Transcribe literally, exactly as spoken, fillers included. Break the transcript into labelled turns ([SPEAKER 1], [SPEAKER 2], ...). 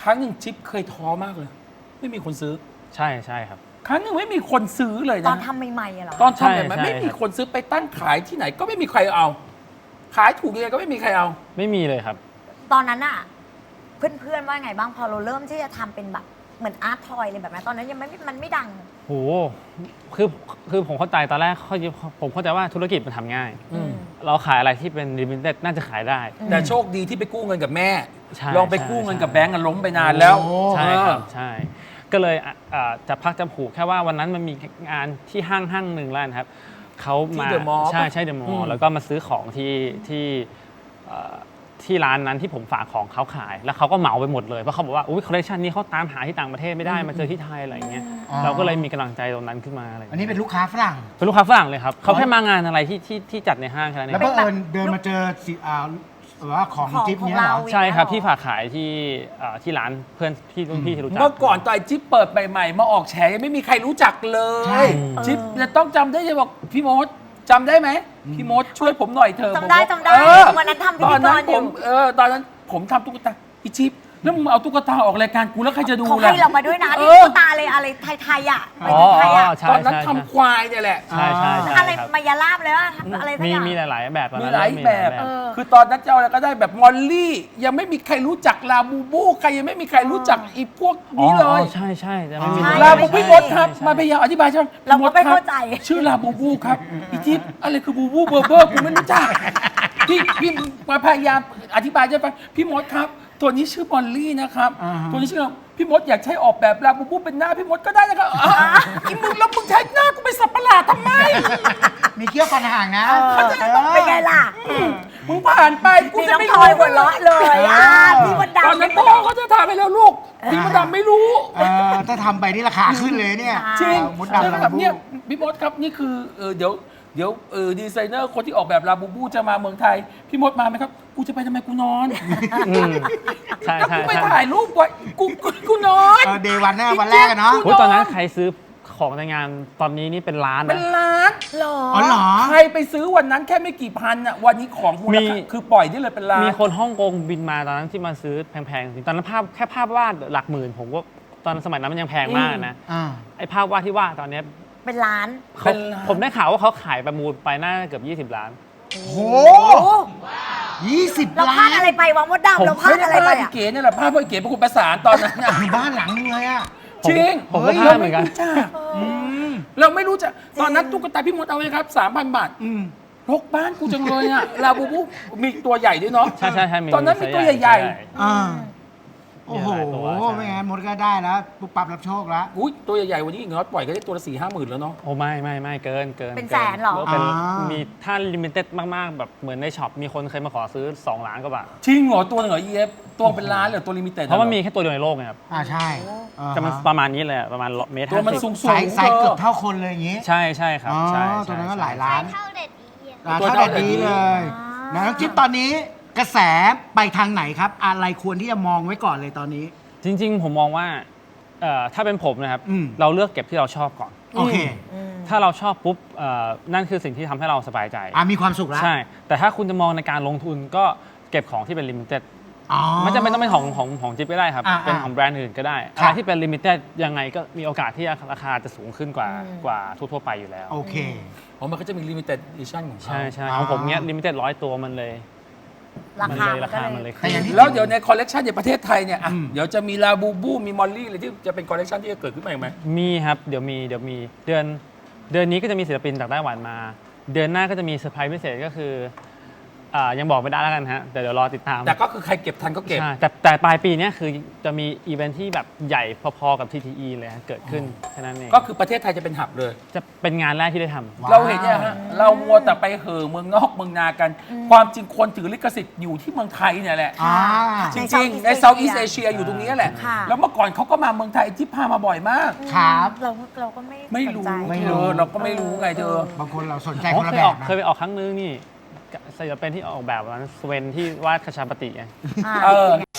[SPEAKER 1] ครั้งหนึ่งจิ๊บเคยท้อมากเลย ไม่มีคนซื้อ
[SPEAKER 2] ใช่ใช่ครับ
[SPEAKER 1] ครั้งหนึ่งไม่มีคนซื้อเลย
[SPEAKER 3] ตอ
[SPEAKER 1] นะ
[SPEAKER 3] นทำใหม่ๆอะเหรอ
[SPEAKER 1] ตอนทำ
[SPEAKER 2] ใช่
[SPEAKER 1] แบบนั้น
[SPEAKER 2] ใช่
[SPEAKER 1] ไม่มี
[SPEAKER 2] ครับ
[SPEAKER 1] คนซื้อไปตั้งขายที่ไหนก็ไม่มีใครเอา ขายถูกยังไงก็ไม่มีใครเอา
[SPEAKER 2] ไม่มีเลยครับ
[SPEAKER 3] ตอนนั้นอะเพื่อนๆว่าไงบ้างพอเราเริ่มที่จะทำเป็นแบบเหมือนอาร์ตทอยเลยแบบนั้นตอนนั้นยังไม่มันไม่ดัง
[SPEAKER 2] โหคือคือผมเข้าใจตอนแรกเขาผมเข้าใจว่าธุรกิจมันทำง่าย
[SPEAKER 1] อืม
[SPEAKER 2] เราขายอะไรที่เป็นลิมิเต็ดน่าจะขายได้
[SPEAKER 1] แต่โชคดีที่ไปกู้เงินกับแม่
[SPEAKER 2] ใช่
[SPEAKER 1] ลองไป
[SPEAKER 2] ใช่
[SPEAKER 1] กู้เงิน
[SPEAKER 2] ใช่
[SPEAKER 1] กับแบงก์กันล้มไปนานแล้ว
[SPEAKER 4] โอ้
[SPEAKER 2] ใช่ครับ
[SPEAKER 1] เออ
[SPEAKER 2] ใช่ ก็เลยอ่ะอ่ะจะพักจะผูกแค่ว่าวันนั้นมันมีงานที่ห้างห้างหนึ่งแล้วนะครับเขามา
[SPEAKER 1] ที่ The Mall
[SPEAKER 2] ใช่
[SPEAKER 1] ปะ
[SPEAKER 2] ใช่เดอะมอ
[SPEAKER 1] อื
[SPEAKER 2] ล
[SPEAKER 1] ม
[SPEAKER 2] ล์แล้วก็มาซื้อของที่ที่เอ่อที่ร้านนั้นที่ผมฝากของเขาขาย แล้วเขาก็เหมาไปหมดเลยเพราะเขาบอกว่าอุ้ยคอลเลคชันนี้เขาตามหาที่ต่างประเทศไม่ได้มาเจอที่ไทยอะไรอย่างเงี้ย
[SPEAKER 4] อ๋อ
[SPEAKER 2] เราก็เลยมีกำลังใจตรงนั้นขึ้นมาอะไรอย่าง
[SPEAKER 4] อัน
[SPEAKER 2] เงี้ย
[SPEAKER 4] นี้เป็นลูกค้าฝรั่ง
[SPEAKER 2] เป็นลูกค้าฝรั่งเลยครับเขาแค่มางานอะไรที่ที่ที่จัดในห้างแค่นั้นเอ
[SPEAKER 4] แล้ว
[SPEAKER 2] ง
[SPEAKER 4] บังเอิญเดินมาเจอสิอ่าแบบว่าของ
[SPEAKER 3] ของ
[SPEAKER 4] จิ๊บ
[SPEAKER 3] ของ
[SPEAKER 4] เนี้ยเหรอ
[SPEAKER 3] เรา
[SPEAKER 2] ใช่ครับที่ฝากขายที่เอ่อที่ร้านเพื่อนที่รุ่นพี่ที่รู้จัก
[SPEAKER 1] เมื่อก่อนตอนไอ้จิ๊บเปิดใหม่ๆมาออกแฉยังไม่มีใครรู้จักเล
[SPEAKER 4] ใช่
[SPEAKER 1] ย จิ๊บจะต้องจำได้จะบอกพี่มดจำได้ไหมพี่มดช่วยผมหน่อยเถอะ
[SPEAKER 3] จำได้
[SPEAKER 1] ผมบอก
[SPEAKER 3] จำได้
[SPEAKER 1] เออ
[SPEAKER 3] วันนั้นทำพิ
[SPEAKER 1] ตอ
[SPEAKER 3] ธี
[SPEAKER 1] น
[SPEAKER 3] ก
[SPEAKER 1] นั้น
[SPEAKER 3] รอ
[SPEAKER 1] ผ
[SPEAKER 3] ยู่
[SPEAKER 1] มเออตอนนั้นผมทำตุ๊กตาอีจิ๊บแล้วมึงเอาตุ๊กตาออกรายการกูแล้วใครจะดู
[SPEAKER 3] เขา
[SPEAKER 1] ล่ะ
[SPEAKER 3] ให้เรามาด้วยนะ
[SPEAKER 1] เอ
[SPEAKER 3] ที่
[SPEAKER 1] อ
[SPEAKER 3] ตุ๊กตาเลยอะไรไทยๆอ่ะไป
[SPEAKER 2] อ๋อ
[SPEAKER 3] ไทยๆอ่ะ
[SPEAKER 2] ใช่
[SPEAKER 1] ตอนนั้น
[SPEAKER 2] ใช่
[SPEAKER 1] ทำควายเนี่ยแหละ
[SPEAKER 2] ใช่ใช่ใช่
[SPEAKER 3] อะไร
[SPEAKER 2] ครับ
[SPEAKER 3] มายาลาบเลยว่าอะไรสัก
[SPEAKER 2] มี
[SPEAKER 3] อย่าง
[SPEAKER 2] มีหลาย ๆ แบบตอน
[SPEAKER 1] มี
[SPEAKER 2] นั้น
[SPEAKER 1] หลาย
[SPEAKER 2] มี
[SPEAKER 1] แบบ
[SPEAKER 3] เออ
[SPEAKER 1] คือตอนนั้นเจ้าอะไรก็ได้แบบมอลลี่ ยังไม่มีใครรู้จักลาบูบูใครยังไม่มีใครรู้จักอีพวก
[SPEAKER 2] อ๋อ
[SPEAKER 1] นี้เลย
[SPEAKER 2] อ๋อใช่ใช่แต่ไม่มี
[SPEAKER 3] ใช่
[SPEAKER 1] ลาบูบูพี่มดครับ
[SPEAKER 2] ใช่
[SPEAKER 1] มาพยายามอธิบายใช่ไหม
[SPEAKER 3] เราก็
[SPEAKER 1] พี่ด
[SPEAKER 3] ไม่
[SPEAKER 1] คบ
[SPEAKER 3] เข้าใจ
[SPEAKER 1] ชื่อลาบูบูครับอีจิ๊บอะไรคือบูบูเบอร์เบอร์กูไม่รู้จักพี่พี่มาพยายามอธิบายใช่ไหมพี่มดครับ ตัวนี้ชื่อมอลลี่นะครับ
[SPEAKER 4] อ่าฮะ
[SPEAKER 1] ตัวนี้ชื่อพี่มดอยากใช้ออกแบบลาบูบูเป็นหน้าพี่มดก็ได้นะครับอ่ะอีมึงแล้วมึงใช้หน้ากูเป็นสัตว์ประหลาดทำไม
[SPEAKER 4] มีเกี้ยวฟันห่างนะ
[SPEAKER 3] เออเป็นไงล่ะ
[SPEAKER 1] มึงผ่านไปกู
[SPEAKER 3] มี
[SPEAKER 1] จะ
[SPEAKER 3] น้อง
[SPEAKER 1] ไม่
[SPEAKER 3] ท
[SPEAKER 1] รู้
[SPEAKER 3] อยหัวเราะเลยอ่ะพี่มด
[SPEAKER 1] ตอน
[SPEAKER 3] ดำ
[SPEAKER 1] นั้นพ่อเขาจะถามไปแล้วลูกพี่มดดำไม่รู้
[SPEAKER 4] เออถ้าทำไปนี่ราคาขึ้นเลยเนี่ย
[SPEAKER 1] จริง
[SPEAKER 4] มด
[SPEAKER 1] ใช่
[SPEAKER 4] ดำ
[SPEAKER 1] ไหม
[SPEAKER 4] ลา
[SPEAKER 1] ครับ
[SPEAKER 4] บู
[SPEAKER 1] เนี่ยพี่มดครับนี่คือเออเดี๋ยวเดี๋ยวเออดีไซเนอร์คนที่ออกแบบลาบูบูจะมาเมืองไทย พี่มดมาไหมครับ กูจะไปทำไมกูนอน
[SPEAKER 2] อืมใช่
[SPEAKER 1] แล้ว
[SPEAKER 2] ใช่
[SPEAKER 1] กูไป
[SPEAKER 2] ใช่
[SPEAKER 1] ถ่ายรูปไว้กูกูกูนอน
[SPEAKER 4] เออเดย์วันนะวันแรกอะเนาะ
[SPEAKER 2] โอ้ยตอนนั้นใครซื้อของในงานตอนนี้นี่เป็นล้าน
[SPEAKER 1] เป็
[SPEAKER 2] นะ
[SPEAKER 1] นล้าน
[SPEAKER 3] หรอ
[SPEAKER 4] อ๋อเหรอ
[SPEAKER 1] ใครไปซื้อวันนั้นแค่ไม่กี่พันอ่ะวันนี้ของมูล
[SPEAKER 2] มี
[SPEAKER 1] ค่าคือปล่อยได้เลยเป็นล้าน
[SPEAKER 2] มีคนฮ่องกงบินมาตอนนั้นที่มาซื้อแพงๆจริงตอนนั้นภาพแค่ภาพวาดหลักหมื่นผมก็ตอนสมัยนั้นมันยังแพงมากนะ
[SPEAKER 4] อ่า
[SPEAKER 2] ไอ้ภาพวาดที่วาดตอนเนี้ย
[SPEAKER 3] เป็นล้าน
[SPEAKER 2] เขาผมได้ข่าวว่าเขาขายประมูลไปน่าจะเกือบยี่สิบล้าน
[SPEAKER 4] โอ้โห
[SPEAKER 3] โอ้
[SPEAKER 4] ยี่สิบ
[SPEAKER 3] เราพ
[SPEAKER 4] ล้า
[SPEAKER 3] ลาด
[SPEAKER 4] น
[SPEAKER 3] อะไรไปวะมดดำเราพลา
[SPEAKER 1] ไม่
[SPEAKER 3] ด
[SPEAKER 1] ได้
[SPEAKER 3] อะไร
[SPEAKER 1] พ
[SPEAKER 3] ไป
[SPEAKER 1] ลาดอี
[SPEAKER 3] อ่ะ
[SPEAKER 1] เก๋เนี่ยแหละภาพพ่อเก๋เป็นคนประสานตอนนั้นน่ะ
[SPEAKER 4] มีบ้านหลังนึงเลยอะ
[SPEAKER 1] จริง
[SPEAKER 2] ผมก็
[SPEAKER 1] ฮ้ย
[SPEAKER 2] พลาดเหมือนกัน
[SPEAKER 1] ราไรู้จัเราไม่รู้จักตอนนั้นตุ๊กตาพี่มดเอาไว้ครับสามพันบาท
[SPEAKER 4] อืม
[SPEAKER 1] รกบ้านกูจังเลยอะลาบูบูมีตัวใหญ่ด้วยเนาะ
[SPEAKER 2] ใช่ใช่ใช่มี
[SPEAKER 1] ตอนนั้นมีตัวใหญ่
[SPEAKER 2] ไซส์
[SPEAKER 4] อ่า โอ้โห
[SPEAKER 2] มีหลายตัวใช่
[SPEAKER 4] ไม่งั้นมดก็ได้แล้วปุ๊บปั๊บรับโชคแล้ว
[SPEAKER 1] ๆอุ้ยตัวใหญ่ๆวันนี้อีกน้อยปล่อยก็ได้ตัวละสี่ห้าหมื่นแล้วเนาะ
[SPEAKER 2] โอ้ไม่ไม่ไม่เกินเกิน
[SPEAKER 3] เป็นแสนเหรอ
[SPEAKER 2] เป็น
[SPEAKER 4] อ่ามี
[SPEAKER 2] มีถ้าลิมิเต็ดมาก ๆ แบบเหมือนในช็อปมีคนเคยมาขอซื้อ สอง ล้านกว่าบาท
[SPEAKER 1] จริงเหรอตัวหนึ่งเหรอ อี เอฟ ตัวเป็นล้านเหรอตัวลิมิเต็ด
[SPEAKER 2] เพราะมันมีแค่ตัวเดียวในโลกไงครับ
[SPEAKER 4] อ่าใช่อ่า
[SPEAKER 2] จะมันประมาณนี้เลยอะประมาณเมตร
[SPEAKER 1] ตัวมัน
[SPEAKER 2] ห้า
[SPEAKER 1] สู
[SPEAKER 2] สิบ
[SPEAKER 1] ง
[SPEAKER 4] ไซส์ไซส์เกือบเท่าคนเลยอย่างงี้
[SPEAKER 2] ใช่ใช่ครับ
[SPEAKER 4] อ๋อ
[SPEAKER 2] ใช่
[SPEAKER 4] ตัวนั้นก็
[SPEAKER 2] ใช่
[SPEAKER 4] หลายล้าน
[SPEAKER 5] เท่าเด็ดอีอะ
[SPEAKER 4] อ่า
[SPEAKER 1] ตัว
[SPEAKER 4] เท่า
[SPEAKER 1] เท่า
[SPEAKER 4] เด็ด
[SPEAKER 1] เด็ด
[SPEAKER 4] ดี
[SPEAKER 1] ดี
[SPEAKER 4] เลยนะน้องจิ๊บตอนนี้กระแสไปทางไหนครับ อะไรควรที่จะมองไว้ก่อนเลยตอนนี้
[SPEAKER 2] จริง ๆ ผมมองว่าเอ่อถ้าเป็นผมนะครับ
[SPEAKER 4] อืม
[SPEAKER 2] เราเลือกเก็บที่เราชอบก่อน
[SPEAKER 4] โอเค
[SPEAKER 2] ถ้าเราชอบปุ๊บเอ่อนั่นคือสิ่งที่ทำให้เราสบายใจ
[SPEAKER 4] อ่ามีความสุขแล้ว
[SPEAKER 2] ใช่ แต่ถ้าคุณจะมองในการลงทุนก็เก็บของที่เป็นลิมิเต็ด
[SPEAKER 4] อ๋อ
[SPEAKER 2] ไม่จำเป็นต้องเป็นของของของจิ๊บก็ได้ครับ
[SPEAKER 4] อ่า
[SPEAKER 2] เป็นของแบรนด์อื่นก็ได้
[SPEAKER 4] ค
[SPEAKER 2] อะ
[SPEAKER 4] รับ
[SPEAKER 2] ไรที่เป็นลิมิเต็ดยังไงก็มีโอกาสที่ราคาจะสูงขึ้นกว่ากว่าทั่วๆไปอยู่แล้ว
[SPEAKER 4] โอเค
[SPEAKER 1] อ๋อมันก็จะมีลิมิเต็ดดิชั่นของเขา
[SPEAKER 2] ใช่ใช่
[SPEAKER 4] อ่า
[SPEAKER 2] ของผมเนี้ยลิมิเต็ดร้อยตัวมันเลย
[SPEAKER 3] รา
[SPEAKER 2] มัน
[SPEAKER 3] คา
[SPEAKER 2] เลย
[SPEAKER 3] มัน
[SPEAKER 2] รา
[SPEAKER 3] ก็
[SPEAKER 2] คา
[SPEAKER 3] เล
[SPEAKER 2] มันเลย
[SPEAKER 3] ย
[SPEAKER 4] แต่อย่างที่
[SPEAKER 1] แล้วเดี๋ยวในคอลเลกชันในประเทศไทยเนี่ยอ่ะ
[SPEAKER 4] อืม
[SPEAKER 1] เดี๋ยวจะมีลาบูบูมีมอลลี่อะไรที่จะเป็นคอลเลกชันที่จะเกิดขึ้นมาอีกไหม
[SPEAKER 2] มีครับเดี๋ยวมีเดี๋ยวมีเดือนเดือนนี้ก็จะมีศิลปินจากไต้หวันมา เดือนหน้าก็จะมีเซอร์ไพรส์พิเศษก็คืออ่ายังบอกไม่ได้แล้วกันฮะแต่เดี๋ยวรอติดตาม
[SPEAKER 1] แต่ก็คือใครเก็บทันก็เก็บ
[SPEAKER 2] ใช่แต่แต่ปลายปีเนี้ยคือจะมีอีเวนท์ที่แบบใหญ่พอๆกับ ที ที อี เลยฮะเกิดขึ้นแค่นั้นเอง
[SPEAKER 1] ก็คือประเทศไทยจะเป็นหับเลย
[SPEAKER 2] จะเป็นงานแรกที่ได้ทำ
[SPEAKER 4] ว้าว
[SPEAKER 1] เราเห็นเนี่ยฮะเรามัวแต่ไปเห่อเมืองนอกเมืองนากัน ความจริงคนถือลิขสิทธิ์อยู่ที่เมืองไทยเนี่ยแหละ
[SPEAKER 4] อ่า
[SPEAKER 1] จริงๆ ในเซาท์อีสเอเชียอยู่ตรงนี้แหละ
[SPEAKER 3] ค่ะ
[SPEAKER 1] แล้วเมื่อก่อนเขาก็มาเมืองไทยที่พามาบ่อยมาก
[SPEAKER 4] ครับ
[SPEAKER 3] เราเราก็ไม่
[SPEAKER 1] ไม่รู้
[SPEAKER 3] สนใจ
[SPEAKER 4] ไม่
[SPEAKER 1] เธ
[SPEAKER 4] รู้
[SPEAKER 1] อเราก็ไม่รู้ไงเธอ
[SPEAKER 4] บางคนเราสนใจ
[SPEAKER 2] อ๋
[SPEAKER 4] ค
[SPEAKER 2] อน
[SPEAKER 4] ละ
[SPEAKER 2] เค
[SPEAKER 4] แบ
[SPEAKER 2] ยออบ ก
[SPEAKER 4] นะ
[SPEAKER 2] เคยไปออกครั้งนึงนี่ศิลปินที่ออกแบบวันนั้นสเวนที่วาดคาชาปฏิไง
[SPEAKER 3] อ่า
[SPEAKER 1] เออ